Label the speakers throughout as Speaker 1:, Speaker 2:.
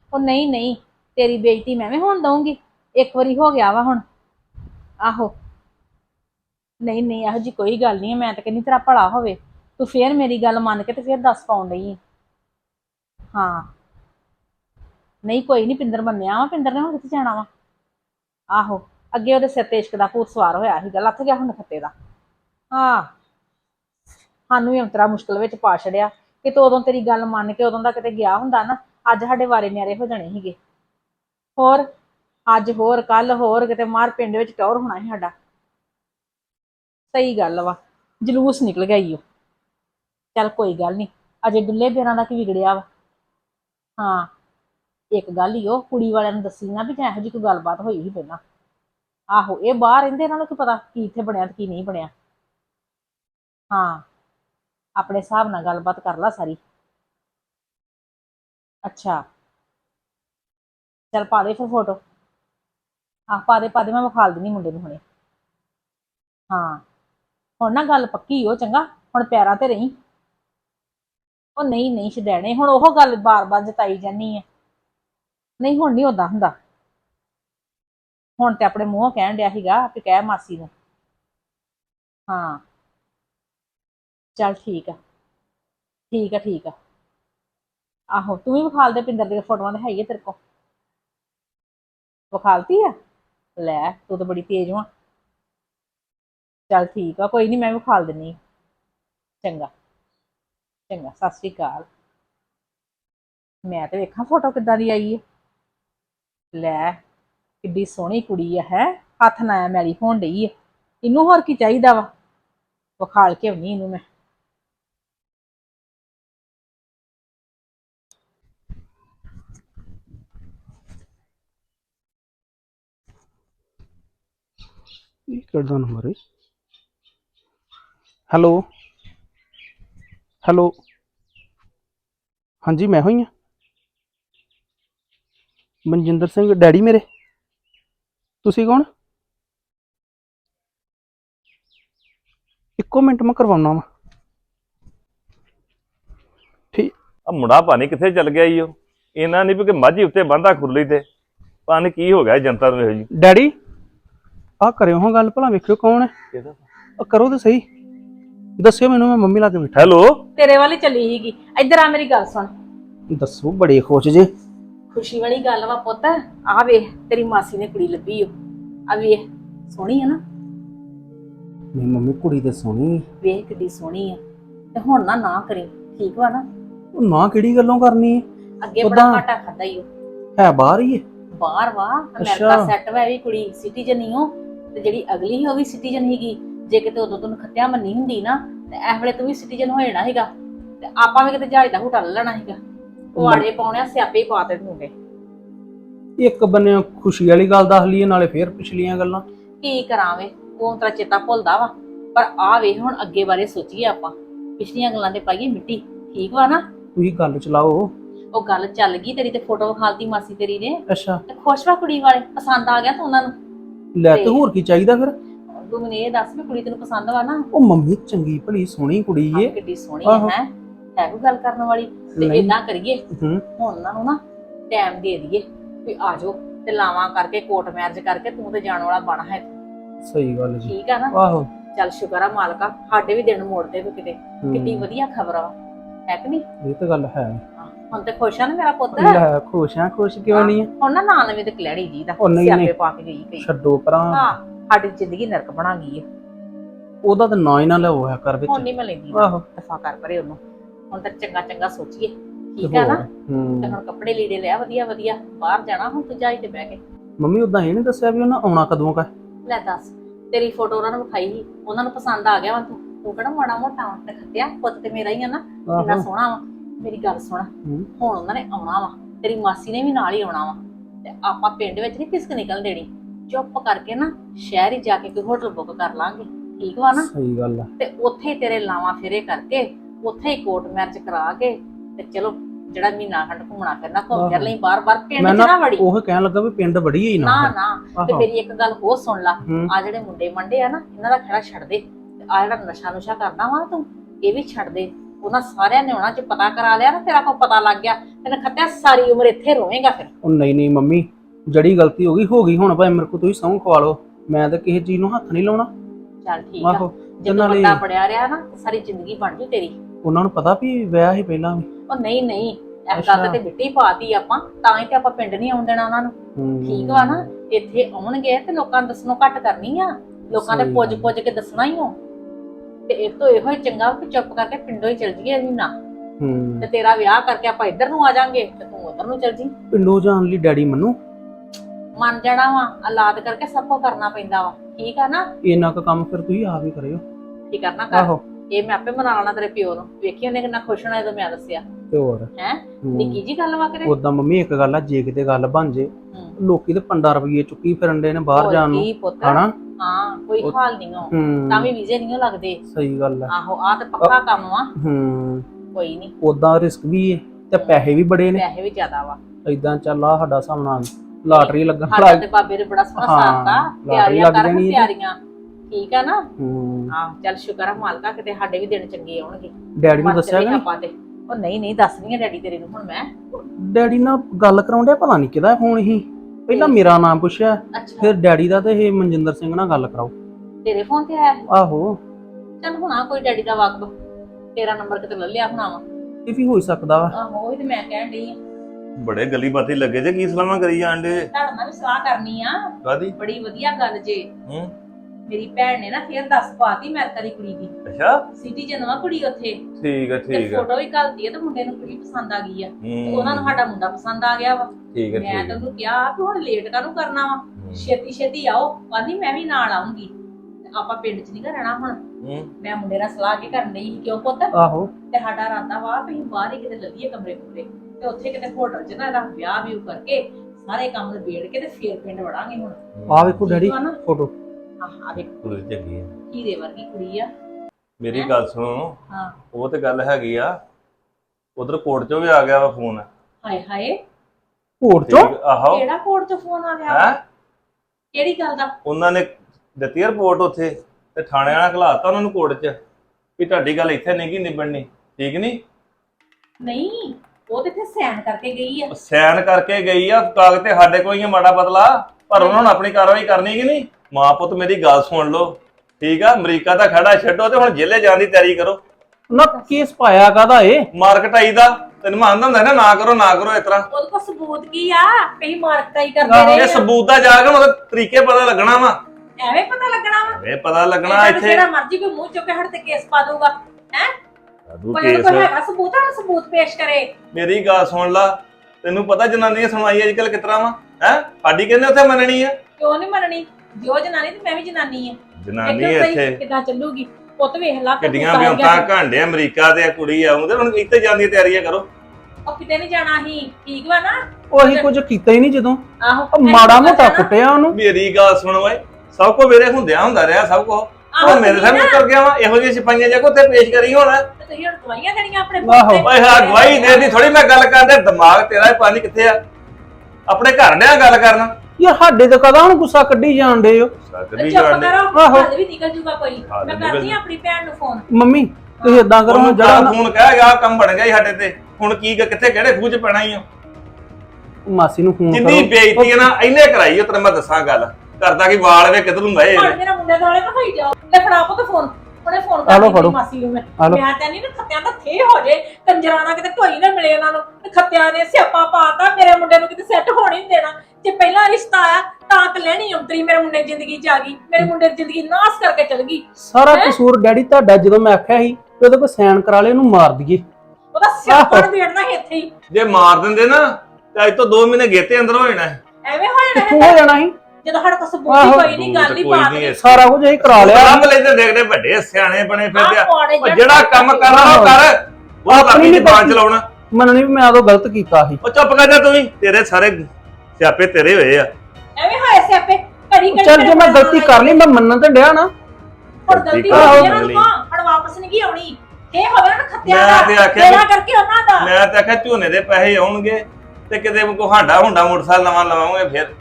Speaker 1: ਉਹ ਨਹੀਂ ਨਹੀਂ, ਤੇਰੀ ਬੇਇੱਜ਼ਤੀ ਮੈਂ ਵੀ ਹੁਣ ਦਊਂਗੀ। ਇੱਕ ਵਾਰੀ ਹੋ ਗਿਆ ਵਾ ਹੁਣ। ਆਹੋ। ਨਹੀਂ ਨਹੀਂ, ਇਹੋ ਜੀ ਕੋਈ ਗੱਲ ਨਹੀਂ ਹੈ। ਮੈਂ ਤਾਂ ਕਹਿੰਦੀ ਤੇਰਾ ਭਲਾ ਹੋਵੇ। ਤੂੰ ਫੇਰ ਮੇਰੀ ਗੱਲ ਮੰਨ ਕੇ ਤੇ ਫੇਰ ਦੱਸ ਪਾਉਣ ਡਈ ਆਂ। ਹਾਂ। ਨਹੀਂ ਕੋਈ ਨਹੀਂ, ਪਿੰਦਰ ਮੰਨਿਆ ਵਾ। ਪਿੰਦਰ ਨੇ ਹੁਣ ਕਿੱਥੇ ਜਾਣਾ ਵਾ। ਆਹੋ। ਅੱਗੇ ਉਹਦੇ ਸਿਰ ਤੇ ਇਸ਼ਕ ਦਾ ਭੂਤ ਸਵਾਰ ਹੋਇਆ ਸੀਗਾ, ਲੱਥ ਗਿਆ ਹੁਣ ਖੱਤੇ ਦਾ। ਹਾਂ। ਸਾਨੂੰ ਵੀ ਅੰਤਰਾ ਮੁਸ਼ਕਲ ਵਿੱਚ ਪਾ ਛੜਿਆ। ਕਿਤੇ ਉਦੋਂ ਤੇਰੀ ਗੱਲ ਮੰਨ ਕੇ ਉਦੋਂ ਦਾ ਕਿਤੇ ਗਿਆ ਹੁੰਦਾ ਨਾ, ਅੱਜ ਸਾਡੇ ਵਾਰੇ ਨਿਆਰੇ ਹੋ ਜਾਣੇ ਸੀਗੇ। ਹੋਰ। ਅੱਜ ਹੋਰ, ਕੱਲ ਹੋਰ, ਕਿਤੇ ਮਾਰ ਪਿੰਡ ਵਿੱਚ ਟੌਰ ਹੋਣਾ ਸੀ ਸਾਡਾ। ਸਹੀ ਗੱਲ ਵਾ। ਜਲੂਸ ਨਿਕਲ ਗਿਆ ਈ ਓ। ਚੱਲ ਕੋਈ ਗੱਲ ਨੀ। ਅਜੇ ਡੁੱਲੇ ਬੇਰਾਂ ਦਾ ਕੀ ਵਿਗੜਿਆ ਵਾ। ਹਾਂ। ਇੱਕ ਗੱਲ ਈ ਉਹ ਕੁੜੀ ਵਾਲਿਆਂ ਨੂੰ ਦੱਸੀ ਨਾ ਵੀ ਇਹੋ ਜਿਹੀ ਕੋਈ ਗੱਲਬਾਤ ਹੋਈ ਸੀ ਪਹਿਲਾਂ। ਆਹੋ, ਇਹ ਬਾਹਰ ਰਹਿੰਦੇ, ਇਹਨਾਂ ਨੂੰ ਕੀ ਪਤਾ ਕੀ ਇੱਥੇ ਬਣਿਆ ਤੇ ਕੀ ਨਹੀਂ ਬਣਿਆ। ਹਾਂ। ਆਪਣੇ ਹਿਸਾਬ ਨਾਲ ਗੱਲਬਾਤ ਕਰ ਲਾ ਸਾਰੀ। ਅੱਛਾ। ਚੱਲ ਪਾ ਦੇ ਫਿਰ ਫੋਟੋ। ਆਹ ਪਾ ਦੇ ਪਾ ਦੇ, ਮੈਂ ਵਿਖਾਲ ਦਿੰਦੀ ਮੁੰਡੇ ਨੂੰ ਹੁਣੇ। ਹਾਂ। ਹੁਣ ਨਾ ਗੱਲ ਪੱਕੀ ਹੋ, ਚੰਗਾ। ਹੁਣ ਪੈਰਾਂ ਤੇ ਰਹੀ। ਉਹ ਨਹੀਂ ਨਹੀਂ ਛਦੈਣੇ, ਹੁਣ ਉਹ ਗੱਲ ਬਾਰ ਬਾਰ ਜਤਾਈ ਜਾਨੀ ਹੈ। ਨਹੀਂ ਹੁਣ ਨੀ ਓਦਾਂ ਹੁੰਦਾ। ਹੁਣ ਤੇ ਆਪਣੇ ਮੂੰਹੋਂ ਕਹਿਣ ਡਿਆ ਸੀਗਾ ਕਿ ਕਹਿ ਮਾਸੀ ਨੂੰ। ਹਾਂ। ਚੱਲ ਠੀਕ ਆ। ਠੀਕ ਆ ਠੀਕ ਆ। ਆਹੋ, ਤੂੰ ਵੀ ਵਿਖਾਲ ਦੇ, ਪਿੰਦਰ ਦੀਆਂ ਫੋਟੋਆਂ ਤਾਂ ਹੈ ਹੀ ਆ ਤੇਰੇ ਕੋਲ। ਵਿਖਾਲਤੀ ਆ। ਲੈ ਤੂੰ ਤਾਂ ਬੜੀ ਤੇਜ਼ ਵਾਂ। ਚੱਲ ਠੀਕ ਆ, ਕੋਈ ਨੀ, ਮੈਂ ਵਿਖਾਲ ਦਿੰਨੀ ਆਂ। ਚੰਗਾ। ਚੰਗਾ, ਸਤਿ ਸ੍ਰੀ ਅਕਾਲ। ਮੈਂ ਤੇ ਵੇਖਾਂ ਫੋਟੋ ਕਿੱਦਾਂ ਦੀ ਆਈ ਹੈ। ਲੈ ਕਿੱਡੀ ਸੋਹਣੀ ਕੁੜੀ ਆ ਹੈ। ਹੱਥ ਨਾ ਮੈਲੀ ਹੋਣ ਡਈ ਹੈ। ਇਹਨੂੰ ਹੋਰ ਕੀ ਚਾਹੀਦਾ ਵਾ। ਵਿਖਾਲ ਕੇ ਆਉਣੀ ਇਹਨੂੰ ਮੈਂ।
Speaker 2: ਇਹ ਕਿਹੜਾ ਨੰਬਰ ਹੈ? Hello hello. ਹਾਂਜੀ ਮੈਂ ਹੋਈ ਹਾਂ ਮਨਜਿੰਦਰ ਸਿੰਘ, ਡੈਡੀ ਮੇਰੇ। ਤੁਸੀਂ ਕੌਣ? ਇੱਕੋ ਮਿੰਟ ਮੈਂ ਕਰਵਾਉਣਾ ਵਾ। ਠੀਕ।
Speaker 3: ਆ ਮੁੰਡਾ ਪਾਣੀ ਕਿੱਥੇ ਚੱਲ ਗਿਆ ਈ ਉਹ। ਇਹਨਾਂ ਨਹੀਂ ਵੀ ਕਿ ਮਾਝੀ ਉੱਤੇ ਬੰਦਾ ਖੁਰਲੀ ਤੇ ਪਾਣੀ ਕੀ ਹੋ ਗਿਆ ਜਨਤਾ ਨੂੰ ਇਹੋ ਜੀ।
Speaker 2: ਡੈਡੀ ਆਹ ਕਰਿਓ ਹਾਂ ਗੱਲ, ਭਲਾ ਵੇਖਿਓ ਕੌਣ ਹੈ। ਆ ਕਰੋ ਤੇ ਸਹੀ, ਦੱਸਿਓ ਮੈਨੂੰ, ਮੈਂ ਮੰਮੀ ਲਾ ਕੇ ਬੈਠਾ।
Speaker 3: ਹੈਲੋ।
Speaker 1: ਤੇਰੇ ਵੱਲ ਹੀ ਚੱਲੀ ਸੀਗੀ। ਇੱਧਰ ਆ, ਮੇਰੀ ਗੱਲ ਸੁਣ।
Speaker 2: ਦੱਸੋ, ਬੜੇ ਖੁਸ਼ ਜੇ।
Speaker 1: ਖੁਸ਼ੀ ਵਾਲੀ ਗੱਲ ਵਾ ਪੁੱਤ। ਆ ਵੇਖ, ਤੇਰੀ ਮਾਸੀ ਨੇ ਕੁੜੀ ਲੱਭੀ ਓ। ਆ ਵੇਖ, ਸੋਹਣੀ ਆ ਨਾ।
Speaker 2: ਨਹੀਂ ਮੰਮੀ, ਕੁੜੀ ਤੇ ਸੋਹਣੀ।
Speaker 1: ਵੇਖ ਕਿੱਡੀ ਸੋਹਣੀ ਆ। ਤੇ ਹੁਣ ਨਾ ਕਰੀ, ਠੀਕ ਵਾ ਨਾ।
Speaker 2: ਉਹ ਨਾ ਕਿਹੜੀ ਗੱਲੋਂ ਕਰਨੀ ਹੈ।
Speaker 1: ਅੱਗੇ ਬੜਾ
Speaker 2: ਉਦਾਂ
Speaker 1: ਘਾਟਾ ਖਾਦਾ ਈ ਓ।
Speaker 2: ਹੈ ਬਾਹਰ ਹੀ ਹੈ।
Speaker 1: ਬਾਹਰ ਵਾ,
Speaker 2: ਅੱਛਾ।
Speaker 1: ਅਮਰੀਕਾ ਸੈੱਟ ਵਾ। ਇਹ ਵੀ ਕੁੜੀ ਸਿਟੀਜ਼ਨ ਹੀ ਹੋ। ਤੇ ਜਿਹੜੀ ਅਗਲੀ ਸੀ ਉਹ ਵੀ ਸਿਟੀਜ਼ਨ ਹੀਗੀ। ਜੇ ਕਿਤੇ ਉਦੋਂ ਤੈਨੂੰ ਖੱਤਿਆ ਮੰਨੀ ਹੁੰਦੀ ਨਾ, ਤੇ ਇਸ ਵੇਲੇ ਤੂੰ ਵੀ ਸਿਟੀਜ਼ਨ ਹੋ ਜਾਣਾ ਸੀਗਾ। ਤੇ ਆਪਾਂ ਵੀ ਕਿਤੇ ਜਹਾਜ਼ ਦਾ ਹੁਟਾ ਲੈ ਲੈਣਾ ਸੀਗਾ। ਪੁਆੜੇ ਪਾਉਣੇ, ਸਿਆਪੇ ਪਾ ਤੇ ਦੂੰਗੇ।
Speaker 2: ਇੱਕ ਬੰਨੇ ਖੁਸ਼ੀ ਵਾਲੀ ਗੱਲ ਦੱਸ ਲਈਏ, ਨਾਲੇ ਫੇਰ ਪਿਛਲੀਆਂ ਗੱਲਾਂ।
Speaker 1: ਕੀ ਕਰਾਂਵੇ, ਉਹ ਤੇਰਾ ਚੇਤਾ ਭੁੱਲਦਾ ਵਾ। ਪਰ ਆ ਵੇਖ, ਹੁਣ ਅੱਗੇ ਬਾਰੇ ਸੋਚੀਏ ਆਪਾਂ। ਪਿਛਲੀਆਂ ਗੱਲਾਂ ਤੇ ਪਾਈਏ ਮਿੱਟੀ। ਠੀਕ ਵਾ ਨਾ।
Speaker 2: ਤੁਸੀਂ ਗੱਲ ਚਲਾਓ।
Speaker 1: ਉਹ ਗੱਲ ਚੱਲ ਗਈ, ਤੇਰੀ ਤੇ ਫੋਟੋ ਵਿਖਾਲਤੀ ਮਾਸੀ ਤੇਰੀ ਨੇ।
Speaker 2: ਅੱਛਾ।
Speaker 1: ਤੇ ਖੁਸ਼ ਵਾ ਕੁੜੀ ਵਾਲੇ, ਪਸੰਦ ਆ ਗਿਆ ਤੂੰ ਉਹਨਾਂ ਨੂੰ।
Speaker 2: ਲੈ ਤੇ ਹੋਰ ਕੀ ਚਾਹੀਦਾ ਫਿਰ।
Speaker 1: ਤੂੰ ਮੈਨੂੰ ਇਹ ਦੱਸ ਵੀ ਕੁੜੀ ਤੈਨੂੰ ਪਸੰਦ ਵਾ ਨਾ।
Speaker 2: ਉਹ ਮੰਮੀ ਚੰਗੀ ਭਲੀ ਸੋਹਣੀ ਕੁੜੀ ਏ।
Speaker 1: ਕਿੱਡੀ ਸੋਹਣੀ ਹੈ।
Speaker 2: ਆਹੋ।
Speaker 1: ਹੈ ਕੋਈ ਗੱਲ ਕਰਨ ਵਾਲੀ। ਤੇ
Speaker 2: ਨਹੀਂ।
Speaker 1: ਏਦਾਂ ਕਰੀਏ,
Speaker 2: ਹੂੰ।
Speaker 1: ਹੁਣ ਉਹਨਾਂ ਨੂੰ ਨਾ ਟਾਈਮ ਦੇ ਦਈਏ ਵੀ ਆ ਜਾਓ। ਤੇ ਲਾਵਾਂ ਕਰਕੇ, ਕੋਰਟ ਮੈਰਿਜ ਕਰਕੇ, ਤੂੰ ਤੇ ਜਾਣ ਵਾਲਾ ਬਣ ਹੈ।
Speaker 2: ਸਹੀ ਗੱਲ ਜੀ।
Speaker 1: ਠੀਕ ਆ ਨਾ।
Speaker 2: ਆਹੋ।
Speaker 1: ਚੱਲ ਸ਼ੁਕਰ ਆ ਮਾਲਕਾ, ਸਾਡੇ ਵੀ ਦਿਨ ਮੋੜਦੇ ਵੀ ਕਿਤੇ। ਕਿੱਡੀ ਵਧੀਆ ਖਬਰ ਆ, ਹੈ ਕਿ ਨਹੀਂ।
Speaker 2: ਇਹ ਤਾਂ ਗੱਲ ਹੈ।
Speaker 1: ਹੁਣ ਤੇ ਖੁਸ਼ ਆ ਨਾ ਮੇਰਾ ਪੁੱਤ।
Speaker 2: ਲੈ ਖੁਸ਼ ਆ, ਖੁਸ਼ ਕਿਉਂ ਨਹੀਂ।
Speaker 1: ਹੁਣ ਨਾ ਨਾਂ ਲਵੇਂ ਤੇ ਕਲੈੜੀ ਜੀ ਦਾ
Speaker 2: ਉਹ ਨਹੀਂ
Speaker 1: ਸਿਆਪੇ ਪਾ ਕੇ ਗਈ ਕਈ।
Speaker 2: ਛੱਡੋ ਪਰਾਂ।
Speaker 1: ਹਾਂ। ਸਾਡੀ ਜ਼ਿੰਦਗੀ ਨਰਕ ਬਣਾ ਗਈ ਹੈ।
Speaker 2: ਉਹਦਾ ਤਾਂ ਨਾਂ ਹੀ ਨਾ ਲਿਆਓ ਹੈ ਕਰ ਵਿੱਚ।
Speaker 1: ਹੁਣ ਨਹੀਂ ਮੈਂ ਲੈਂਦੀ।
Speaker 2: ਆਹੋ।
Speaker 1: ਦਫਾ ਕਰ ਪਰੇ ਉਹਨੂੰ। ਹੁਣ ਤਾਂ ਚੰਗਾ ਚੰਗਾ ਸੋਚੀਏ। ਠੀਕ ਆ ਨਾ। ਤੇ ਹੁਣ ਕੱਪੜੇ ਲੀੜੇ ਲਿਆ ਵਧੀਆ ਵਧੀਆ, ਬਾਹਰ ਜਾਣਾ ਹੁਣ ਤੂੰ ਜਹਾਜ਼ ਤੇ ਬਹਿ ਕੇ।
Speaker 2: ਮੰਮੀ ਉਦਾਂ ਇਹ ਨੀ ਦੱਸਿਆ ਵੀ ਉਹਨਾਂ ਆਉਣਾ ਕਦੋਂ ਕਾ।
Speaker 1: ਲੈ ਦੱਸ, ਤੇਰੀ ਫੋਟੋ ਉਹਨਾਂ ਨੂੰ ਵਿਖਾਈ ਸੀ, ਉਹਨਾਂ ਨੂੰ ਪਸੰਦ ਆ ਗਿਆ ਵਾ। ਤੂੰ ਕਿਹੜਾ ਮਾੜਾ ਮੋਟਾ ਵਾ ਤੇ ਖੱਤਿਆ, ਪੁੱਤ ਤੇ ਮੇਰਾ ਹੀ ਆ ਨਾ। ਕਿੰਨਾ ਸੋਹਣਾ ਵਾ। ਮੇਰੀ ਗੱਲ ਸੁਣ, ਹੁਣ ਉਹਨਾਂ ਨੇ ਆਉਣਾ ਵਾ। ਤੇਰੀ ਮਾਸੀ ਨੇ ਵੀ ਨਾਲ ਹੀ ਆਉਣਾ ਵਾ। ਤੇ ਆਪਾਂ ਪਿੰਡ ਵਿੱਚ ਨੀ ਕਿਸਕ ਨਿਕਲਣ ਦੇਣੀ। ਚੁੱਪ ਕਰਕੇ ਨਾ ਸ਼ਹਿਰ ਹੀ ਜਾ ਕੇ ਕੋਈ ਹੋਟਲ ਬੁੱਕ ਕਰ ਲਾਂਗੇ। ਠੀਕ ਵਾ ਨਾ।
Speaker 2: ਸਹੀ ਗੱਲ ਆ।
Speaker 1: ਤੇ ਉੱਥੇ ਹੀ ਤੇਰੇ ਲਾਵਾਂ ਫੇਰੇ ਕਰਕੇ, ਉੱਥੇ ਹੀ ਕੋਰਟ ਮੈਰਿਜ ਕਰਾ ਕੇ, ਤੇ ਚਲੋ ਜਿਹੜਾ ਮਹੀਨਾ ਖੰਡ ਘੁੰਮਣਾ ਫਿਰਨਾ ਘੁੰਮ ਫਿਰ ਲਈ। ਬਾਰ-ਬਾਰ ਪਿੰਡ ਚ ਨਾ ਵੜੀ।
Speaker 2: ਉਹ ਕਹਿਣ ਲੱਗਾ ਵੀ ਪਿੰਡ ਵੜੀ ਹੀ
Speaker 1: ਨਾ ਨਾ। ਤੇ ਮੇਰੀ ਇੱਕ ਗੱਲ ਹੋਰ ਸੁਣ ਲਾ। ਆ ਜਿਹੜੇ ਮੁੰਡੇ ਮੰਡੇ ਆ ਨਾ, ਇਹਨਾਂ ਦਾ ਖੜਾ ਛੱਡ ਦੇ। ਆ ਜਿਹੜਾ ਨਸ਼ਾ ਨੁਸ਼ਾ ਕਰਦਾ ਵਾ ਤੂੰ, ਇਹ ਵੀ ਛੱਡ ਦੇ। ਉਹਨਾਂ ਸਾਰਿਆਂ ਨੇ ਉਹਨਾਂ ਚ ਪਤਾ ਕਰਾ ਲਿਆ ਨਾ, ਤੇਰਾ ਕੋ ਪਤਾ ਲੱਗ ਗਿਆ ਤੈਨੂੰ ਖੱਤਿਆ ਸਾਰੀ ਉਮਰ ਇੱਥੇ ਰੋਵੇਂਗਾ ਫਿਰ।
Speaker 2: ਉਹ ਨਹੀਂ ਨਹੀਂ ਮੰਮੀ, ਜਿਹੜੀ ਗਲਤੀ ਹੋ ਗਈ ਹੁਣ ਭਾਵੇਂ ਮੇਰੇ ਕੋਲ ਤੁਸੀਂ ਸਹੁੰ ਖਵਾ ਲਓ, ਮੈਂ ਤਾਂ ਕਿਸੇ ਚੀਜ਼ ਨੂੰ ਹੱਥ ਨਹੀਂ ਲਾਉਣਾ।
Speaker 1: ਚੱਲ ਠੀਕ ਆ,
Speaker 2: ਆਹੋ
Speaker 1: ਜਦੋਂ
Speaker 2: ਨਾਲੇ
Speaker 1: ਵੱਡਾ ਪੜਿਆ ਰਿਹਾ ਨਾ ਤੇ ਸਾਰੀ ਜ਼ਿੰਦਗੀ ਬਣ ਜੂ ਤੇਰੀ।
Speaker 2: ਉਹਨਾਂ ਨੂੰ ਪਤਾ ਵੀ ਵਿਆਹ ਹੀ ਪਹਿਲਾਂ ਵੀ।
Speaker 1: ਉਹ ਨਹੀਂ ਇਸ ਗੱਲ ਤੇ ਮਿੱਟੀ ਪਾਤੀ ਆਪਾਂ, ਤਾਂ ਹੀ ਤੇ ਆਪਾਂ ਪਿੰਡ ਨਹੀਂ ਆਉਣ ਦੇਣਾ ਉਹਨਾਂ ਨੂੰ। ਠੀਕ ਵਾ ਨਾ, ਇੱਥੇ ਆਉਣਗੇ ਤੇ ਲੋਕਾਂ ਨੂੰ ਦੱਸਣੋਂ ਘੱਟ ਕਰਨੀ ਆ, ਲੋਕਾਂ ਦੇ ਪੁੱਜ ਕੇ ਦੱਸਣਾ ਹੀ ਹੋ। ਤੇ ਇਹ ਤੋਂ ਇਹੋ ਹੀ ਚੰਗਾ ਕਿ ਚੁੱਪ ਕਰਕੇ ਪਿੰਡੋਂ ਹੀ ਚਲ ਜੀਏ ਅਸੀਂ ਨਾ, ਤੇ ਤੇਰਾ ਵਿਆਹ ਕਰਕੇ ਆਪਾਂ ਇੱਧਰ ਨੂੰ ਆ ਜਾਾਂਗੇ ਤੇ ਤੂੰ ਉਧਰ ਨੂੰ ਚਲ ਜੀ।
Speaker 2: ਪਿੰਡੋਂ ਜਾਣ ਲਈ ਡੈਡੀ ਮੰਨੂ?
Speaker 1: ਮੰਨ ਜਾਣਾ ਵਾ, ਔਲਾਦ ਕਰਕੇ ਸਭ ਕੁਝ ਕਰਨਾ ਪੈਂਦਾ ਵਾ, ਠੀਕ ਆ ਨਾ।
Speaker 2: ਇੰਨਾ ਕੁ ਕੰਮ ਫਿਰ ਤੁਸੀਂ ਆਪ ਹੀ ਕਰਿਓ।
Speaker 1: ਕੀ ਕਰਨਾ ਕਰ, ਇਹ ਮੈਂ ਆਪੇ ਮਨਾ ਲੈਣਾ ਤੇਰੇ ਪਿਓ ਨੂੰ। ਵੇਖੀ ਉਹਨੇ ਕਿੰਨਾ ਖੁਸ਼ ਹੋਣਾ ਜਦੋਂ ਮੈਂ ਦੱਸਿਆ।
Speaker 2: ਤੇ ਹੋਰ
Speaker 1: ਹੈ ਨਿੱਕੀ ਜੀ ਗੱਲ ਵਾ ਕਰੇ।
Speaker 2: ਉਦਾਂ ਮੰਮੀ ਇੱਕ ਗੱਲ ਆ, ਜੇ ਕਿਤੇ ਗੱਲ ਬਣ ਜੇ, ਲੋਕੀ ਤੇ 15 ਰੁਪਏ ਚੁੱਕੀ ਫਿਰਨ ਦੇ ਨੇ ਬਾਹਰ ਜਾਣ ਨੂੰ, ਹਨਾ?
Speaker 1: ਹਾਂ ਕੋਈ ਹਾਲ ਨਹੀਂ ਹੋ, ਤਾਂ ਵੀ ਵੀਜ਼ੇ ਨਹੀਂ ਲੱਗਦੇ।
Speaker 2: ਸਹੀ ਗੱਲ ਆ।
Speaker 1: ਆਹੋ ਆ ਤੇ ਪੱਕਾ ਕੰਮ ਆ। ਕੋਈ ਨਹੀਂ,
Speaker 2: ਉਦਾਂ ਰਿਸਕ ਵੀ ਹੈ ਤੇ ਪੈਸੇ ਵੀ ਬੜੇ ਨੇ,
Speaker 1: ਪੈਸੇ ਵੀ ਜ਼ਿਆਦਾ ਵਾ।
Speaker 2: ਏਦਾਂ ਚੱਲ ਆ ਸਾਡਾ ਸਾਹਮਣਾ ਲਾਟਰੀ ਲੱਗਣ
Speaker 1: ਸਾਡਾ ਤੇ ਬਾਬੇ ਨੇ ਬੜਾ ਸੋਹਣਾ ਸਾਥਾ, ਤਿਆਰੀਆਂ ਕਰ ਤਿਆਰੀਆਂ, ਠੀਕ ਆ ਨਾ। ਹਾਂ ਚੱਲ ਸ਼ੁਕਰ ਆ ਮਾਲਕਾ, ਕਿਤੇ ਸਾਡੇ ਵੀ ਦਿਨ ਚੰਗੇ ਆਉਣਗੇ।
Speaker 2: ਡੈਡੀ ਨੂੰ ਦੱਸਿਆ ਕਿ
Speaker 1: ਆਪਾਂ ਤੇ ਉਹ ਨਹੀਂ ਦੱਸਣੀ ਆ ਡੈਡੀ ਤੇਰੇ ਨੂੰ। ਹੁਣ ਮੈਂ
Speaker 2: ਡੈਡੀ ਨਾਲ ਗੱਲ ਕਰਾਉਂਦਿਆ, ਪਤਾ ਨਹੀਂ ਕਿਹਦਾ ਫੋਨ ਹੀ, ਪਹਿਲਾਂ ਮੇਰਾ ਨਾਮ ਪੁੱਛਿਆ, ਫਿਰ ਡੈਡੀ ਦਾ ਤੇ ਇਹ ਮਨਜਿੰਦਰ ਸਿੰਘ ਨਾਲ ਗੱਲ ਕਰਾਓ।
Speaker 1: ਤੇਰੇ ਫੋਨ ਤੇ ਆਇਆ?
Speaker 2: ਆਹੋ।
Speaker 1: ਚੱਲ ਹੁਣਾ ਕੋਈ ਡੈਡੀ ਦਾ ਵਾਕਬ, ਤੇਰਾ ਨੰਬਰ ਕਿਤੇ ਲੈ ਲਿਆ ਹੁਣਾ ਵਾ।
Speaker 2: ਇਹ ਵੀ ਹੋ ਸਕਦਾ ਵਾ।
Speaker 1: ਆਹੋ ਉਹੀ ਤੇ ਮੈਂ ਕਹਿਣ ਡਈ ਆ।
Speaker 3: ਬੜੇ ਗੱਲੀ ਬਾਤੀ ਲੱਗੇ ਜੇ, ਕੀ ਸਲਾਮਾਂ ਕਰੀ ਜਾਂਦੇ?
Speaker 1: ਤੁਹਾਡੇ ਨਾਲ ਵੀ ਸਲਾਹ ਕਰਨੀ ਆ।
Speaker 3: ਕਾਦੀ?
Speaker 1: ਬੜੀ ਵਧੀਆ ਗੱਲ ਜੇ। ਮੇਰੀ ਭੈਣ ਨੇ ਨਾ ਫੇਰ ਦੱਸ ਪਾਤੀ ਅਮਰੀਕਾ ਦੀ ਕੁੜੀ ਦੀ।
Speaker 3: ਅੱਛਾ,
Speaker 1: ਸਿਟੀਜ਼ਨ ਵਾ ਕੁੜੀ ਉੱਥੇ।
Speaker 3: ਠੀਕ ਹੈ
Speaker 1: ਤੇ ਫੋਟੋ ਵੀ ਘੱਲਦੀ ਆ ਤੇ ਮੁੰਡੇ ਨੂੰ ਕੁੜੀ ਪਸੰਦ ਆ ਗਈ ਆ, ਤੇ ਉਹਨਾਂ ਨੂੰ ਸਾਡਾ ਮੁੰਡਾ ਪਸੰਦ ਆ ਗਿਆ ਵਾ।
Speaker 3: ਠੀਕ ਹੈ।
Speaker 1: ਮੈਂ ਤਾਂ ਉਹਨੂੰ ਕਿਹਾ ਕਿ ਹੁਣ ਲੇਟ ਕਾਹਨੂੰ ਕਰਨਾ ਵਾ, ਛੇਤੀ ਆਓ। ਕਹਿੰਦੀ ਮੈਂ ਵੀ ਨਾਲ ਆਉਂਗੀ, ਆਪਾਂ ਪਿੰਡ 'ਚ ਨਹੀਂ ਰਹਿਣਾ ਹੁਣ। ਮੈਂ ਮੁੰਡੇ ਨਾਲ ਸਲਾਹ ਕੇ ਕਰਨ ਡਈ ਸੀ, ਕਿਉਂ ਪੁੱਤ?
Speaker 2: ਆਹੋ।
Speaker 1: ਤੇ ਸਾਡਾ ਇਰਾਦਾ ਵਾ ਵੀ ਬਾਹਰ ਹੀ ਕਿਤੇ ਲੱਭੀਏ ਕਮਰੇ ਕੁਮਰੇ, ਤੇ ਉੱਥੇ ਕਿਤੇ ਹੋਟਲ 'ਚ ਨਾ ਇਹਦਾ ਵਿਆਹ ਵੀ ਕਰਕੇ ਸਾਰੇ ਕੰਮ ਨਿਬੇੜ ਕੇ ਤੇ ਫੇਰ ਪਿੰਡ ਵੜਾਂਗੇ ਹੁਣ।
Speaker 2: ਆਹ ਵੇਖੋ ਡੈਡੀ ਫੋਟੋ।
Speaker 1: ਆ ਵੇਖ
Speaker 3: ਕੁੜੀ ਚੰਗੀ ਆ,
Speaker 1: ਹੀਰੇ ਵਰਗੀ ਕੁੜੀ ਆ।
Speaker 3: ਮੇਰੀ ਗੱਲ ਸੁਣੋ।
Speaker 1: ਹਾਂ
Speaker 3: ਉਹ ਤੇ ਗੱਲ ਹੈਗੀ ਆ, ਉਧਰ ਕੋਰਟ 'ਚੋਂ ਵੀ ਆ ਗਿਆ ਵਾ ਫੋਨ।
Speaker 1: ਹਾਏ
Speaker 2: ਕੋਰਟ ਚੋਂ?
Speaker 3: ਆਹੋ।
Speaker 1: ਕਿਹੜਾ ਕੋਰਟ 'ਚੋਂ ਫੋਨ ਆ ਗਿਆ?
Speaker 3: ਹੈ
Speaker 1: ਕਿਹੜੀ ਗੱਲ ਦਾ?
Speaker 3: ਉਹਨਾਂ ਨੇ ਦਿੱਤੀ ਰਿਪੋਰਟ ਉੱਥੇ, ਤੇ ਥਾਣੇ ਵਾਲਾ ਘਲਾਤਾ ਉਹਨਾਂ ਨੂੰ ਕੋਰਟ 'ਚ ਵੀ ਤੁਹਾਡੀ ਗੱਲ ਇੱਥੇ ਨਹੀਂ ਗੀ ਨਿਬੜਨੀ, ਠੀਕ
Speaker 1: ਨਹੀਂ ਉਹ ਤੇ ਇੱਥੇ ਸਾਈਨ ਕਰਕੇ ਗਈ ਆ।
Speaker 3: ਸਾਈਨ ਕਰਕੇ ਗਈ ਆ, ਕਾਗਜ਼ ਤੇ ਸਾਡੇ ਕੋਲ ਹੀ ਆ ਮਾੜਾ ਪਤਲਾ, ਪਰ ਉਹਨਾਂ ਨੂੰ ਆਪਣੀ ਕਾਰਵਾਈ ਕਰਨੀ ਕਿ ਨਹੀਂ? ਮਾਂ ਪੁੱਤ ਮੇਰੀ ਗੱਲ ਸੁਣ ਲਓ, ਠੀਕ ਆ? ਅਮਰੀਕਾ ਦਾ ਖੜਾ ਛੱਡੋ ਤੇ ਹੁਣ ਜੇਲੇ ਜਾਣ ਦੀ ਤਿਆਰੀ ਕਰੋ।
Speaker 2: ਨਾ ਕੇਸ ਪਾਇਆ ਕਾਹਦਾ ਏ?
Speaker 3: ਮਾਰਕਟਾਈ ਦਾ। ਤੈਨੂੰ ਮੰਨਦਾ ਹੁੰਦਾ ਨਾ ਕਰੋ ਇਸ ਤਰ੍ਹਾਂ।
Speaker 1: ਉਹਦੇ ਕੋਲ ਸਬੂਤ ਕੀ ਆ? ਕਈ ਮਾਰਕਟਾਈ ਕਰਦੇ ਰਹੇ।
Speaker 3: ਇਹ ਸਬੂਤ ਦਾ ਜਾ ਕੇ ਉਹਦੇ ਤਰੀਕੇ ਪਤਾ ਲੱਗਣਾ ਵਾ।
Speaker 1: ਐਵੇਂ ਪਤਾ ਲੱਗਣਾ ਵਾ?
Speaker 3: ਇਹ ਪਤਾ ਲੱਗਣਾ ਇੱਥੇ
Speaker 1: ਜਿਹੜਾ ਮਰਜ਼ੀ ਕੋਈ ਮੂੰਹ ਚੁੱਕ ਕੇ ਹੜ ਤੇ ਕੇਸ ਪਾ ਦਊਗਾ। ਹੈ ਕੋਈ ਹੈਗਾ ਸਬੂਤ? ਆ ਸਬੂਤ ਪੇਸ਼ ਕਰੇ।
Speaker 3: ਮੇਰੀ ਗੱਲ ਸੁਣ ਲਾ, ਤੈਨੂੰ ਪਤਾ ਜਨਾਨੀਆਂ ਸੁਣਾਈ ਅੱਜ ਕੱਲ ਕਿਤਰਾ ਵਾ? ਹੈ ਸਾਡੀ ਕਹਿੰਦੇ ਉੱਥੇ ਮੰਨਣੀ ਆ?
Speaker 1: ਕਿਉਂ ਨਹੀਂ ਮੰਨਣੀ? ਜੋ ਜਨਾਨੀ ਤੇ ਮੈਂ ਵੀ ਜਨਾਨੀ ਆ।
Speaker 3: ਜਨਾਨੀ ਇੱਥੇ
Speaker 1: ਕਿੱਦਾਂ ਚੱਲੂਗੀ? ਪੁੱਤ ਵੇਖ ਲਾ
Speaker 3: ਕਿੱਡੀਆਂ ਬਿਉਂਤਾਂ ਘਾਂਡੇ ਅਮਰੀਕਾ ਦੇ ਕੁੜੀ ਆਉਂਦੇ, ਹੁਣ ਇੱਥੇ ਜਾਣ ਦੀਆਂ ਤਿਆਰੀਆਂ ਕਰੋ।
Speaker 1: ਉਹ ਕਿਤੇ ਨਹੀਂ ਜਾਣਾ ਹੀ, ਠੀਕ ਵਾ ਨਾ?
Speaker 2: ਉਹ ਅਸੀਂ ਕੁਝ ਕੀਤਾ ਹੀ ਨਹੀਂ ਜਦੋਂ।
Speaker 1: ਆਹੋ
Speaker 2: ਮਾੜਾ ਮੋਟਾ ਕੁੱਟਿਆ ਉਹਨੂੰ।
Speaker 3: ਮੇਰੀ ਗੱਲ ਸੁਣ ਓਏ, ਸਭ ਕੋ ਮੇਰੇ ਹੁੰਦਿਆਂ ਹੁੰਦਾ ਰਿਹਾ ਸਭ ਕੋ। ਉਹ ਮੇਰੇ ਸਾਹਮਣੇ ਕਰ ਗਿਆ ਵਾ, ਇਹੋ ਜਿਹੀ ਸਿਪਾਹੀਆਂ ਜਾ ਕੇ ਉੱਥੇ ਪੇਸ਼ ਕਰੀ ਹੁਣ।
Speaker 1: ਤੁਸੀਂ ਹੁਣ ਗਵਾਹੀਆਂ ਦੇਣੀਆਂ ਆਪਣੇ
Speaker 3: ਓਏ ਹਾਂ ਗਵਾਹੀ ਦੇ ਦੀ ਥੋੜੀ ਮੈਂ ਗੱਲ ਕਰਦੇ, ਦਿਮਾਗ ਤੇਰਾ ਪਾਣੀ ਕਿੱਥੇ ਆ? ਆਪਣੇ ਘਰ ਨੇ ਗੱਲ ਕਰਨਾ
Speaker 2: ਯਾਰ, ਸਾਡੇ ਤੇ ਕਦਾ ਹੁਣ ਗੁੱਸਾ ਕੱਢੀ ਜਾਣ ਡੇ ਹੋ।
Speaker 1: ਚੁੱਪ ਕਰੋ, ਹੱਲ ਵੀ ਨਿਕਲ ਜੂਗਾ ਕੋਈ। ਮੈਂ ਕਰਦੀ ਆਪਣੀ ਭੈਣ ਨੂੰ ਫੋਨ।
Speaker 2: ਮੰਮੀ ਤੁਸੀਂ ਏਦਾਂ ਕਰੋ,
Speaker 3: ਜਿਹੜਾ ਫੋਨ ਕਹਿ ਗਿਆ ਕੰਮ ਬਣ ਗਿਆ ਸਾਡੇ ਤੇ, ਹੁਣ ਕੀ ਕਿੱਥੇ ਕਿਹੜੇ ਖੂਹ 'ਚ ਪੈਣਾ ਹੀ ਆ?
Speaker 2: ਮਾਸੀ ਨੂੰ ਫੋਨ ਕਰੋ।
Speaker 3: ਜਿੰਨੀ ਬੇਇੱਜ਼ਤੀ ਹੈ ਨਾ ਇਹਨੇ ਕਰਾਈ, ਉਹ ਤੈਨੂੰ ਮੈਂ ਦੱਸਾਂ ਗੱਲ ਕਰਦਾ ਕਿ ਵਾਲ ਵੇ ਕਿੱਧਰ ਨੂੰ ਗਏ
Speaker 1: ਹੁਣ ਮੇਰਾ ਮੁੰਡੇ ਨਾਲੇ ਨਾ ਹੋਈ ਜਾਓ। ਲੈ ਫੜਾ ਪੁੱਤ ਫੋਨ, ਉਹਨੇ ਫੋਨ ਕਰ ਦਿੱਤੀ ਮਾਸੀ ਨੂੰ। ਮੈਂ ਤਾਂ ਨਹੀਂ ਨਾ ਖੱਤਿਆਂ ਦਾ ਥੇ ਹੋ ਜੇ, ਕੰਜਰਾਨਾ ਕਿਤੇ ਢੋਈ ਨਾ ਮਿਲੇ ਉਹਨਾਂ ਨੂੰ। ਖੱਤਿਆਂ ਨੇ ਸਿਆਪਾ ਪਾਤਾ, ਮੇਰੇ ਮੁੰਡੇ ਨੂੰ ਕਿਤੇ ਸੈੱਟ ਹੋਣ ਹੀ ਨਹੀਂ ਦੇਣਾ। ਜੇ ਪਹਿਲਾ ਰਿਸ਼ਤਾ ਆਇਆ ਤਾਂ ਕਿ ਲੈਣੀ ਅੰਤਰੀ ਮੇਰੇ ਮੁੰਡੇ ਦੀ ਜ਼ਿੰਦਗੀ 'ਚ ਆ ਗਈ, ਮੇਰੇ ਮੁੰਡੇ ਦੀ ਜ਼ਿੰਦਗੀ ਨਾਸ ਕਰਕੇ ਚਲ ਗਈ।
Speaker 2: ਸਾਰਾ ਕਸੂਰ ਡੈਡੀ ਤੁਹਾਡਾ। ਜਦੋਂ ਮੈਂ ਆਖਿਆ ਸੀ ਕਿ ਉਹਦੇ ਕੋਲ ਸਾਈਨ ਕਰਾ ਲੈ, ਉਹਨੂੰ ਮਾਰ ਦਈਏ।
Speaker 1: ਉਹਦਾ ਸਿਆਪਾ ਦੇਣਾ ਇੱਥੇ ਹੀ।
Speaker 3: ਜੇ ਮਾਰ ਦਿੰਦੇ ਨਾ ਤੇ ਅੱਜ ਤੋਂ 2 ਮਹੀਨੇ ਗੇਤੇ ਅੰਦਰ ਹੋ ਜਾਣਾ।
Speaker 1: ਐਵੇਂ ਹੋ ਜਾਣਾ
Speaker 2: ਕਿੱਥੋਂ ਹੋ ਜਾਣਾ ਸੀ?
Speaker 1: ਜਦੋਂ ਸਾਡੇ ਕੋਲ ਸਬੂਤ ਹੀ ਕੋਈ ਨਹੀਂ, ਗੱਲ ਹੀ ਬਾਤ ਨਹੀਂ।
Speaker 2: ਸਾਰਾ ਕੁਝ ਅਸੀਂ ਕਰਾ ਲਿਆ।
Speaker 3: ਰੱਬ ਲੈ ਤੇ ਦੇਖਦੇ ਵੱਡੇ ਸਿਆਣੇ ਬਣੇ ਫਿਰਦੇ ਆ। ਜਿਹੜਾ ਕੰਮ ਕਰਨਾ ਉਹ ਕਰ, ਉਹ ਬਾਕੀ ਜ਼ਬਾਨ ਚਲਾਉਣਾ।
Speaker 2: ਮੰਨਣੀ ਵੀ ਮੈਂ ਉਦੋਂ ਗਲਤ ਕੀਤਾ ਸੀ।
Speaker 3: ਉਹ ਚੁੱਪ ਕਰ ਜਾ ਤੂੰ ਵੀ, ਤੇਰੇ ਸਾਰੇ ਸਿਆਪੇ ਤੇਰੇ ਹੋਏ ਆ।
Speaker 1: ਐਵੇਂ ਹੋਏ ਸਿਆਪੇ ਘੜੀ ਘੜੀ।
Speaker 2: ਚੱਲ ਜੇ ਮੈਂ ਗਲਤੀ ਕਰ ਲਈ, ਮੈਂ ਮੰਨਣ ਤੇ ਡਿਆ ਨਾ।
Speaker 1: ਹੁਣ ਗਲਤੀ ਹੋ ਗਈ ਨਾ, ਹੁਣ ਵਾਪਸ ਨਹੀਂ ਗਈ ਆਉਣੀ। ਇਹ ਹੋਵੇ ਨਾ ਖੱਤਿਆਂ ਦਾ ਤੇਰਾ ਕਰਕੇ ਉਹਨਾਂ ਦਾ।
Speaker 3: ਮੈਂ ਤਾਂ ਆਖਿਆ ਝੋਨੇ ਦੇ ਪੈਸੇ ਆਉਣਗੇ ਤੇ ਕਿਤੇ ਕੋ ਹਾਂਡਾ ਹੁੰਡਾ ਮੋਟਰਸਾਈਕਲ ਨਵਾਂ ਲਵਾਉਂਗੇ ਫਿਰ।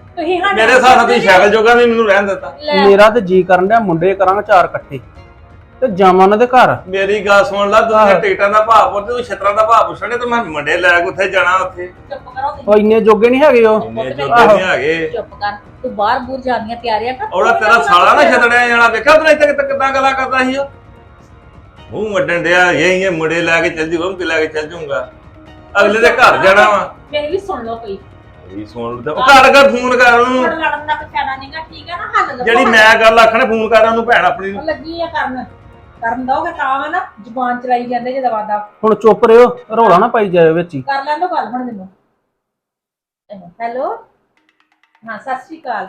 Speaker 3: ਮੇਰੇ ਹਿਸਾਬ ਨਾਲ ਤੁਸੀਂ ਸਾਈਕਲ ਜੋਗਾ ਵੀ ਮੈਨੂੰ ਰਹਿਣ ਦਿੱਤਾ।
Speaker 2: ਮੇਰਾ ਤੇ ਜੀ ਕਰਨ ਡਿਆ ਮੁੰਡੇ ਕਰਾਂਗੇ 4 ਇਕੱਠੇ। ਤੇ ਜਾਵਾਂ ਉਹਨਾਂ ਦੇ ਘਰ।
Speaker 3: ਮੇਰੀ ਗੱਲ ਸੁਣ ਲੈ, ਤੁਸੀਂ ਟਿਕਟਾਂ ਦਾ ਭਾਅ ਪੁੱਛਦੇ, ਤੂੰ ਛਤਰਾਂ ਦਾ ਭਾਅ ਪੁੱਛਣੇ ਤੇ ਮੈਂ ਮੁੰਡੇ ਲੈ ਕੇ ਉੱਥੇ ਜਾਣਾ ਉੱਥੇ।
Speaker 1: ਚੁੱਪ ਕਰੋ
Speaker 2: ਉਹ ਇੰਨੇ ਜੋਗੇ ਨਹੀਂ ਹੈਗੇ ਉਹ।
Speaker 3: ਇੰਨੇ ਜੋਗੇ ਨਹੀਂ ਹੈਗੇ।
Speaker 1: ਚੁੱਪ ਕਰ, ਤੂੰ ਬਾਹਰ ਬੂਰ ਜਾਂਦੀਆਂ ਤਿਆਰੀਆਂ ਕਰ।
Speaker 3: ਉਹਦਾ ਤੇਰਾ ਸਾਲਾ ਨਾ ਛਤੜਿਆ ਜਾਣਾ, ਵੇਖਿਆ ਉਹਨੇ ਇੱਥੇ ਕਿੱਦਾਂ ਗੱਲਾਂ ਕਰਦਾ ਸੀ ਉਹ। ਮੂੰਹ ਵੱਡਣ ਡਿਆ, ਇਹ ਮੁੰਡੇ ਲੈ ਕੇ ਚੱਲ ਜੂਗਾ, ਉਹ ਲੈ ਕੇ ਚੱਲ ਜੂਗਾ, ਅਗਲੇ ਦੇ ਘਰ ਜਾਣਾ ਵਾ।
Speaker 1: ਮੇਰੀ ਵੀ ਸੁਣ ਲਓ ਕੋਈ।
Speaker 3: ਇਹ ਸੁਣ ਲੈ, ਘਰ ਫੋਨ ਕਰ ਉਹਨੂੰ।
Speaker 1: ਲੜਨ ਦਾ ਫਾਇਦਾ ਨਹੀਂਗਾ, ਠੀਕ ਹੈ ਨਾ? ਹੱਲ ਲੱਭੋ।
Speaker 3: ਜਿਹੜੀ ਮੈਂ ਗੱਲ ਆਖਣੇ ਫੋਨ ਕਰ ਉਹਨੂੰ, ਭੈਣ ਆਪਣੀ ਨੂੰ।
Speaker 1: ਉਹ ਲੱਗੀ ਆ ਕਰਨ ਦੋਗੇ ਤਾਂ ਵਾ ਨਾ, ਜ਼ੁਬਾਨ ਚਲਾਈ ਜਾਂਦੇ ਜੇ ਦਵਾਦਾ।
Speaker 2: ਹੁਣ ਚੁੱਪ ਰਿਓ, ਰੌਲਾ ਨਾ ਪਾਈ ਜਾਇਓ ਵਿੱਚ ਹੀ।
Speaker 1: ਕਰ ਲੈਂਦੋ ਗੱਲ ਹੁਣ ਮੈਨੂੰ। ਹੈਲੋ, ਹਾਂ ਸਤਿ ਸ਼੍ਰੀ ਅਕਾਲ।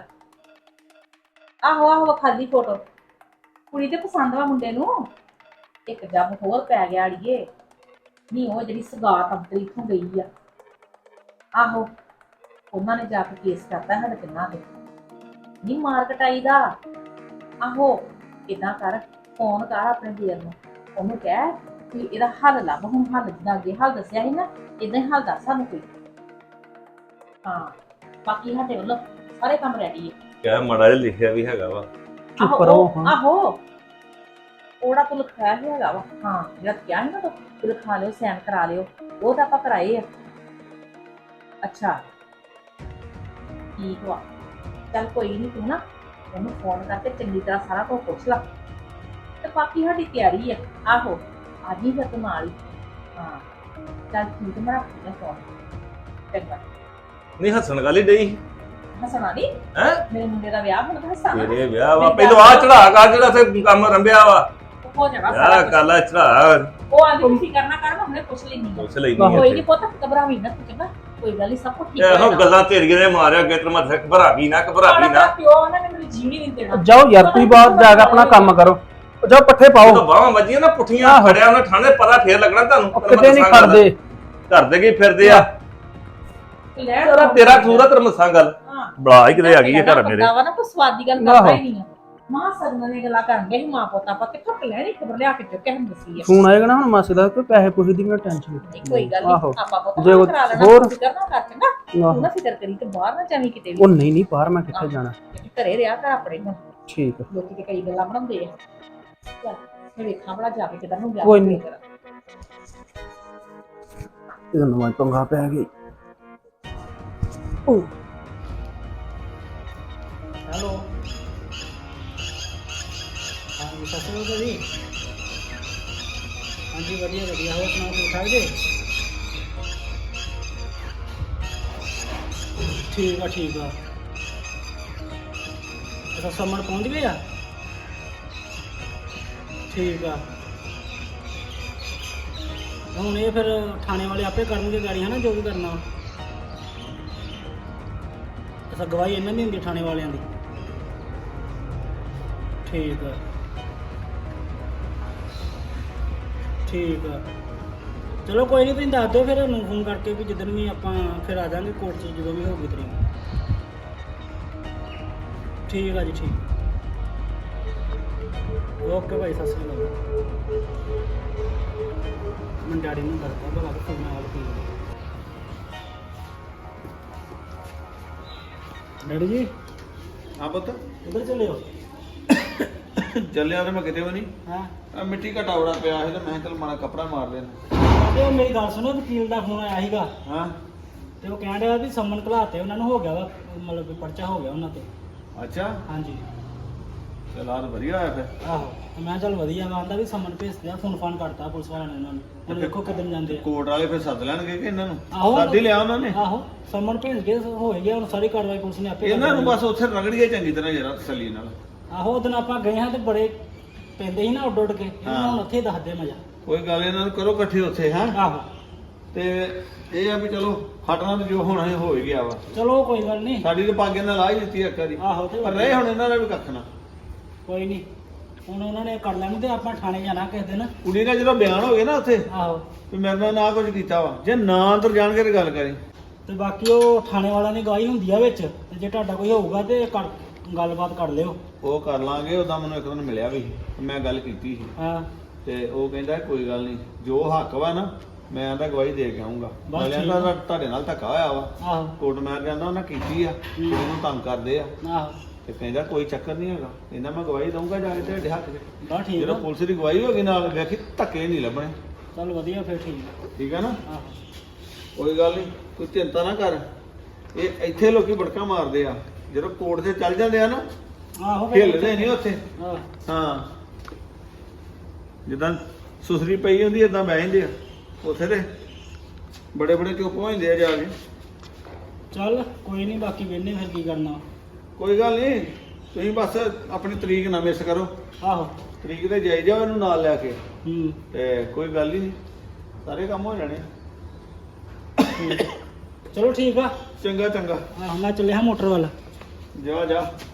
Speaker 1: ਆਹੋ ਖਾਲੀ ਫੋਟੋ ਕੁੜੀ ਤੇ ਪਸੰਦ ਵਾ ਮੁੰਡੇ ਨੂੰ। ਇੱਕ ਜੱਬ ਹੋਰ ਪੈ ਗਿਆ ਅੜੀਏ, ਨਹੀਂ ਉਹ ਜਿਹੜੀ ਸਗਾਤ ਅੰਤਰੀ ਇੱਥੋਂ ਗਈ ਆ। ਆਹੋ ਉਹਨਾਂ ਨੇ ਜਾ ਕੇ ਕੇਸ ਕਰਤਾ ਸਾਡੇ ਤਿੰਨਾਂ ਦੇ, ਨਹੀਂ ਮਾਰ ਕਟਾਈ ਦਾ। ਆਹੋ ਇਦਾਂ ਕਰ, ਫੋਨ ਕਰ ਆਪਣੇ ਵੀਰ ਨੂੰ, ਉਹਨੂੰ ਕਹਿ ਕਿ ਇਹਦਾ ਹੱਲ ਲੱਭ। ਹੁਣ ਹੱਲ ਜਿੱਦਾਂ ਅੱਗੇ ਹੱਲ ਦੱਸਿਆ ਸੀ ਨਾ, ਇਦਾਂ ਹੀ ਹੱਲ ਦੱਸ ਸਾਨੂੰ ਕੋਈ। ਹਾਂ ਬਾਕੀ ਸਾਡੇ ਵੱਲੋਂ ਸਾਰੇ ਕੰਮ ਰੈਡੀ ਹੈ।
Speaker 3: ਕਿਆ ਮਾੜਾ ਜਿਹਾ ਲਿਖਿਆ ਵੀ ਹੈਗਾ ਵਾ।
Speaker 2: ਚੁੱਪ ਰਹੋ ਹਾਂ।
Speaker 1: ਆਹੋ ਉਹਦਾ ਤੂੰ ਲਿਖਾਇਆ ਹੀ ਹੈਗਾ ਵਾ। ਹਾਂ ਜਿਹੜਾ ਕਿਹਾ ਸੀ ਨਾ ਤੂੰ ਲਿਖਾ ਲਿਓ, ਸਾਈਨ ਕਰਾ ਲਿਓ, ਉਹ ਤਾਂ ਆਪਾਂ ਕਰਾਏ ਆ। ਅੱਛਾ ਠੀਕ ਵਾ, ਚੱਲ ਕੋਈ ਨਹੀਂ, ਤੂੰ ਨਾ ਉਹਨੂੰ ਫੋਨ ਕਰਕੇ ਚੰਗੀ ਤਰ੍ਹਾਂ ਸਾਰਾ ਕੁਝ ਪੁੱਛ ਲਾ, ਤੇ ਬਾਕੀ ਸਾਡੀ ਤਿਆਰੀ ਆ। ਆਹੋ ਅੱਜ ਹੀ ਫਿਰ ਤੂੰ ਨਾਲ ਹੀ। ਹਾਂ ਚੱਲ ਠੀਕ, ਮੈਂ ਰੱਖਦੀ ਫੋਨ। ਚੰਗਾ।
Speaker 3: ਨਹੀਂ ਹੱਸਣ ਗੱਲ ਹੀ ਡਈ
Speaker 1: ਹੱਸਣਾ ਨਹੀਂ,
Speaker 3: ਹੈ।
Speaker 1: ਮੇਰੇ ਮੁੰਡੇ ਦਾ ਵਿਆਹ ਹੁਣ ਤਾਂ ਹੱਸਣਾ
Speaker 3: ਤੇਰੇ ਵਿਆਹ ਵਾ, ਪਹਿਲਾਂ ਆ ਚੜਾ ਕਰ ਜਿਹੜਾ ਉੱਥੇ ਕੰਮ ਰੰਭਿਆ ਵਾ।
Speaker 1: ਹੋ ਜਾਣਾ
Speaker 3: ਵਿਆਹ
Speaker 1: ਸਾਰਾ ਕੁਛ।
Speaker 3: ਕਾਲਾ ਚੜਾ
Speaker 1: ਉਹ ਆਂਦੀ ਤੁਸੀਂ ਕਰਨਾ ਕਰ, ਮੈਂ ਹੁਣੇ ਪੁੱਛ ਲੈਣੀ ਆ।
Speaker 3: ਪੁੱਛ ਲੈਣੀ
Speaker 1: ਕੋਈ ਨਹੀਂ ਪੁੱਤ, ਘਬਰਾਵੀਂ ਨਾ ਤੂੰ, ਚੰਗਾ? ਕੋਈ ਗੱਲ ਨਹੀਂ, ਸਭ ਕੁਝ ਠੀਕ
Speaker 3: ਇਹੋ ਗੱਲਾਂ ਤੇਰੀਆਂ ਨੇ ਮਾਰਿਆ ਅੱਗੇ ਤੇ ਮੱਥੇ ਘਬਰਾ ਵੀ ਨਾ
Speaker 1: ਪਿਓ ਨਾ ਮੈਨੂੰ ਜੀਣੀ ਨਹੀਂ ਦੇਣਾ।
Speaker 2: ਜਾਓ ਯਾਰ, ਤੁਸੀਂ ਬਾਹਰ ਜਾ ਕੇ ਆਪਣਾ ਕੰਮ ਕਰੋ। ਜਾਓ ਪੱਠੇ ਪਾਓ।
Speaker 3: ਬਾਹਾਂ ਵੱਜੀਆਂ ਨਾ ਪੁੱਠੀਆਂ, ਖੜਿਆ ਉਹਨੇ ਠਾਣੇ ਪਤਾ ਫੇਰ ਲੱਗਣਾ ਤੁਹਾਨੂੰ।
Speaker 2: ਕਿਤੇ ਨਹੀਂ ਖੜਦੇ,
Speaker 3: ਕਰਦੇ ਕੀ ਫਿਰਦੇ ਆ। ਤੇਰਾ ਕਸੂਰ ਆ, ਤੇਰਾ ਮਸਾਂ ਗੱਲ ਬੜਾ ਹੀ ਕਿਤੇ ਆ ਗਈ ਹੈ ਘਰ ਮੇਰੇ।
Speaker 1: ਵਾ ਨਾ ਕੋਈ ਸਵਾਦੀ ਗੱਲ ਕਰਦਾ ਹੀ ਨਹੀਂ ਆ। ਮਾਂ ਸਗਨਾਂ ਨੇ ਗੱਲਾਂ ਕਰਨਗੇ ਹੀ, ਮਾਂ ਪੁੱਤ ਆਪਾਂ ਕਿੱਥੋਂ ਲੈਣੀ ਖਬਰ ਲਿਆ ਕੇ ਚੁੱਕੇ ਹਮ ਦੱਸੀ ਆ।
Speaker 2: ਫੋਨ ਆਏਗਾ ਨਾ ਹੁਣ ਮਾਸੀ ਦਾ, ਕੋਈ ਪੈਸੇ ਪੂਸੇ ਦੀ ਵੀ ਟੈਨਸ਼ਨ
Speaker 1: ਨਹੀਂ ਕੋਈ ਗੱਲ ਨਹੀਂ, ਆਪਾਂ ਪੁੱਤ
Speaker 2: ਜੇ
Speaker 1: ਕਰਾ ਲੈਣਾ।
Speaker 2: ਹੋਰ
Speaker 1: ਫਿਕਰ ਨਾ ਕਰ, ਚੰਗਾ? ਤੂੰ ਨਾ ਫਿਕਰ ਕਰੀ ਤੇ ਬਾਹਰ ਨਾ ਜਾਵੀਂ ਕਿਤੇ ਵੀ।
Speaker 2: ਉਹ ਨਹੀਂ ਬਾਹਰ ਮੈਂ ਕਿੱਥੇ ਜਾਣਾ।
Speaker 1: ਘਰੇ ਰਿਹਾ ਕਰ ਆਪਣੇ ਹੁਣ।
Speaker 2: ਠੀਕ ਹੈ।
Speaker 1: ਲੋਕੀ ਤੇ ਕਈ ਗੱਲਾਂ ਬਣਾਉਂਦੇ ਆ। ਚੱਲ ਮੈਂ ਵੇਖਾਂ ਬੜਾ ਜਾ ਕੇ ਕਿਧਰ ਨੂੰ ਗਿਆ।
Speaker 2: ਕੋਈ ਨਹੀਂ, ਇਹ ਨਵਾਂ ਪੰਗਾ ਪੈ ਗਿਆ। ਓ
Speaker 4: ਹੈਲੋ, ਹਾਂਜੀ ਸਤਿ ਸ਼੍ਰੀ ਅਕਾਲ ਜੀ। ਹਾਂਜੀ ਵਧੀਆ ਵਧੀਆ, ਹੋਰ ਸੁਣਾਓ ਠੀਕ ਠਾਕ ਜੀ? ਠੀਕ ਆ ਠੀਕ ਆ। ਅੱਛਾ ਸਮਣ ਪਹੁੰਚ ਗਏ ਆ? ਠੀਕ ਆ। ਹੁਣ ਇਹ ਫਿਰ ਥਾਣੇ ਵਾਲੇ ਆਪੇ ਕਰਨਗੇ ਗਾੜੀ, ਹੈ ਨਾ, ਜੋ ਵੀ ਕਰਨਾ। ਅੱਛਾ ਗਵਾਹੀ ਇਹਨਾਂ ਦੀ ਹੁੰਦੀ ਥਾਣੇ ਵਾਲਿਆਂ ਦੀ? ਠੀਕ ਆ ਠੀਕ ਆ, ਚਲੋ ਕੋਈ ਨਹੀਂ, ਤੁਸੀਂ ਦੱਸ ਦਿਓ ਫਿਰ ਉਹਨੂੰ ਫੋਨ ਕਰਕੇ ਵੀ ਜਿੱਦਣ ਵੀ ਆਪਾਂ ਫਿਰ ਆ ਜਾਵਾਂਗੇ ਕੋਰਟ 'ਚ, ਜਦੋਂ ਵੀ ਹੋਊਗੀ ਤਰੀਕ। ਠੀਕ ਆ ਜੀ, ਠੀਕ। ਓਕੇ ਭਾਈ, ਸਤਿ ਸ਼੍ਰੀ ਅਕਾਲ। ਮੈਂ ਡੈਡੀ ਨੂੰ ਦੱਸਦਾ ਭਲਾ ਕਿ ਫੋਨ ਆਇਆ ਕੀ। ਡੈਡੀ ਜੀ
Speaker 5: ਹਾਂ ਪੁੱਤ,
Speaker 4: ਕਿੱਧਰ ਚੱਲੇ ਹੋ?
Speaker 5: ਚੱਲਿਆ ਤੇ ਮੈਂ ਕਿਤੇ ਵੀ ਨਹੀਂ।
Speaker 4: ਹਾਂ
Speaker 5: ਆ ਮਿੱਟੀ ਘਟਾ ਬੜਾ ਪਿਆ ਸੀ ਤੇ ਮੈਂ ਕਿਹਾ ਚੱਲ ਮਾੜਾ ਕੱਪੜਾ ਮਾਰ ਲੈਣਾ।
Speaker 4: ਤੇ ਉਹ ਮੇਰੀ ਗੱਲ ਸੁਣੋ, ਵਕੀਲ ਦਾ ਫੋਨ ਆਇਆ ਸੀਗਾ
Speaker 5: ਹਾਂ
Speaker 4: ਤੇ ਉਹ ਕਹਿਣ ਡਿਆ ਵੀ ਸੰਮਨ ਘਲਾਤੇ ਉਹਨਾਂ ਨੂੰ, ਹੋ ਗਿਆ ਵਾ, ਮਤਲਬ ਕਿ ਪਰਚਾ ਹੋ ਗਿਆ ਉਹਨਾਂ ਤੇ।
Speaker 5: ਅੱਛਾ,
Speaker 4: ਹਾਂਜੀ
Speaker 5: ਚਲ ਆ ਤਾਂ ਵਧੀਆ ਹੋਇਆ ਫਿਰ।
Speaker 4: ਆਹੋ, ਤੇ ਮੈਂ ਚੱਲ ਵਧੀਆ ਵਾ। ਆਂਦਾ ਵੀ ਸੰਮਨ ਭੇਜਦੇ ਆ, ਫੋਨ ਫਾਨ ਕਰਤਾ ਪੁਲਿਸ ਵਾਲਿਆਂ ਨੇ ਉਹਨਾਂ ਨੂੰ। ਹੁਣ ਵੇਖੋ ਕਿੱਦਣ ਜਾਂਦੇ ਆ।
Speaker 5: ਕੋਰਟ ਵਾਲੇ ਫਿਰ ਸੱਦ ਲੈਣਗੇ ਕਿ ਇਹਨਾਂ ਨੂੰ?
Speaker 4: ਆਹੋ
Speaker 5: ਸੱਦ ਹੀ ਲਿਆ ਉਹਨਾਂ ਨੇ।
Speaker 4: ਆਹੋ ਸੰਮਨ ਭੇਜ ਕੇ ਹੋ ਗਿਆ, ਹੁਣ ਸਾਰੀ ਕਾਰਵਾਈ ਪੁਲਿਸ ਨੇ ਆਪੇ ਕਰ
Speaker 5: ਇਹਨਾਂ ਨੂੰ
Speaker 4: ਲੈਣੀ।
Speaker 5: ਬਸ ਉੱਥੇ ਰਗੜੀਏ ਚੰਗੀ ਤਰ੍ਹਾਂ ਜਰਾ ਤਸੱਲੀ ਨਾਲ।
Speaker 4: ਆਹੋ ਉਦੋਂ ਆਪਾਂ ਗਏ ਹਾਂ ਤੇ ਬੜੇ ਪੈਂਦੇ ਸੀ ਨਾ ਉੱਡ ਉੱਡ ਕੇ, ਇਹਨਾਂ ਨੂੰ ਹੁਣ ਉੱਥੇ ਹੀ ਦੱਸਦੇ ਮਜ਼ਾ।
Speaker 5: ਕੋਈ ਗੱਲ ਇਹਨਾਂ ਨੂੰ ਕਰੋ ਇਕੱਠੇ ਉੱਥੇ। ਹਾਂ
Speaker 4: ਆਹੋ
Speaker 5: ਤੇ ਇਹ ਆ ਵੀ ਚਲੋ ਹਟਣਾ ਤੇ ਜੋ ਹੋਣਾ ਹੋ ਹੀ ਗਿਆ ਵਾ।
Speaker 4: ਚਲੋ ਕੋਈ ਗੱਲ ਨਹੀਂ।
Speaker 5: ਸਾਡੀ ਤੇ ਪੱਗ ਇਹਨਾਂ ਲਾ ਹੀ ਦਿੱਤੀ ਇੱਕ ਵਾਰੀ,
Speaker 4: ਆਹੋ ਤੇ
Speaker 5: ਪਰ ਰਹੇ ਹੁਣ ਇਹਨਾਂ ਦਾ ਵੀ ਕੱਖ ਨਾ।
Speaker 4: ਕੋਈ ਨਹੀਂ, ਹੁਣ ਉਹਨਾਂ ਨੇ ਕਰ ਲੈਣੀ ਤੇ ਆਪਾਂ ਥਾਣੇ ਜਾਣਾ ਕਿਸੇ ਦਿਨ।
Speaker 5: ਕੁੜੀ ਦਾ ਜਦੋਂ ਬਿਆਨ ਹੋ ਗਿਆ ਨਾ ਉੱਥੇ
Speaker 4: ਆਹੋ,
Speaker 5: ਵੀ ਮੇਰੇ ਨਾਲ ਨਾ ਕੁਝ ਕੀਤਾ ਵਾ, ਜੇ ਨਾ ਅੰਦਰ ਜਾਣਗੇ ਤੇ ਗੱਲ ਕਰੀ।
Speaker 4: ਤੇ ਬਾਕੀ ਉਹ ਥਾਣੇ ਵਾਲਿਆਂ ਦੀ ਗਵਾਹੀ ਹੁੰਦੀ ਆ ਵਿੱਚ, ਤੇ ਜੇ ਤੁਹਾਡਾ ਕੋਈ ਹੋਊਗਾ ਤੇ ਗੱਲਬਾਤ ਕਰ ਲਿਓ।
Speaker 5: ਉਹ ਕਰ ਲਾਂਗੇ। ਉਹਦਾ ਮੈਨੂੰ ਇੱਕ ਦਿਨ ਮਿਲਿਆ ਵੀ, ਮੈਂ ਗੱਲ ਕੀਤੀ ਸੀ
Speaker 4: ਹਾਂ
Speaker 5: ਤੇ ਉਹ ਕਹਿੰਦਾ ਕੋਈ ਗੱਲ ਨਹੀਂ, ਜੋ ਹੱਕ ਵਾ ਨਾ ਮੈਂ ਤਾਂ ਗਵਾਹੀ ਦੇ ਕੇ ਆਉਂਗਾ।
Speaker 4: ਬਸ
Speaker 5: ਮੈਂ
Speaker 4: ਠੀਕ
Speaker 5: ਕਹਿੰਦਾ ਤੁਹਾਡੇ ਨਾਲ ਧੱਕਾ ਹੋਇਆ ਵਾ,
Speaker 4: ਆਹੋ
Speaker 5: ਕੋਰਟ ਮੈਰ ਜਾਂਦਾ ਉਹਨਾਂ ਕੀਤੀ ਆ,
Speaker 4: ਹੂੰ।
Speaker 5: ਇਹਨੂੰ ਤੰਗ ਕਰਦੇ ਆ।
Speaker 4: ਆਹੋ
Speaker 5: ਤੇ ਕਹਿੰਦਾ ਕੋਈ ਚੱਕਰ ਨਹੀਂ ਹੈਗਾ, ਕਹਿੰਦਾ ਮੈਂ ਗਵਾਹੀ ਦਊਂਗਾ ਜਾ ਕੇ ਤੁਹਾਡੇ ਹੱਥ 'ਚ।
Speaker 4: ਬਸ ਠੀਕ
Speaker 5: ਜਦੋਂ
Speaker 4: ਆ,
Speaker 5: ਪੁਲਿਸ ਦੀ ਗਵਾਹੀ ਹੋ ਗਈ ਨਾਲ ਵੇਖੀ ਧੱਕੇ ਨਹੀਂ ਲੱਭਣੇ।
Speaker 4: ਚੱਲ ਵਧੀਆ ਫਿਰ ਠੀਕ ਆ।
Speaker 5: ਠੀਕ ਹੈ ਨਾ,
Speaker 4: ਆਹੋ
Speaker 5: ਕੋਈ ਗੱਲ ਨਹੀਂ, ਕੋਈ ਚਿੰਤਾ ਨਾ ਕਰ। ਇਹ ਇੱਥੇ ਲੋਕੀ ਬੜਕਾ ਮਾਰਦੇ ਆ, ਜਦੋਂ ਕੋਰਟ 'ਤੇ ਚੱਲ ਜਾਂਦੇ ਆ ਨਾ
Speaker 4: ਆਹੋ ਫਿਰ
Speaker 5: ਹਿੱਲਦੇ ਨਹੀਂ ਉੱਥੇ।
Speaker 4: ਆਹ,
Speaker 5: ਹਾਂ, ਜਿੱਦਾਂ ਸੁਸਰੀ ਪਈ ਹੁੰਦੀ ਏਦਾਂ ਬਹਿ ਜਾਂਦੇ ਆ ਉੱਥੇ, ਤੇ ਬੜੇ ਬੜੇ ਚੁੱਪ ਹੋ ਜਾਂਦੇ ਆ ਜਾ ਕੇ।
Speaker 4: ਚੱਲ ਕੋਈ ਨਹੀਂ, ਬਾਕੀ ਵੇਖਨੇ ਫਿਰ ਕੀ ਕਰਨਾ।
Speaker 5: ਕੋਈ ਗੱਲ ਨਹੀਂ, ਤੁਸੀਂ ਬਸ ਆਪਣੀ ਤਰੀਕ ਨਾ ਮਿਸ ਕਰੋ।
Speaker 4: ਆਹੋ
Speaker 5: ਤਰੀਕ ਤੇ ਜਾਈ ਜਾਓ ਇਹਨੂੰ ਨਾਲ ਲੈ ਕੇ,
Speaker 4: ਹੂੰ
Speaker 5: ਤੇ ਕੋਈ ਗੱਲ ਹੀ ਨਹੀਂ, ਸਾਰੇ ਕੰਮ ਹੋ ਜਾਣੇ।
Speaker 4: ਚਲੋ ਠੀਕ ਆ।
Speaker 5: ਚੰਗਾ ਚੰਗਾ,
Speaker 4: ਆਹੋ ਮੈਂ ਚੱਲਿਆ ਮੋਟਰ ਵੱਲ।
Speaker 5: ਜਾ ਜਾ।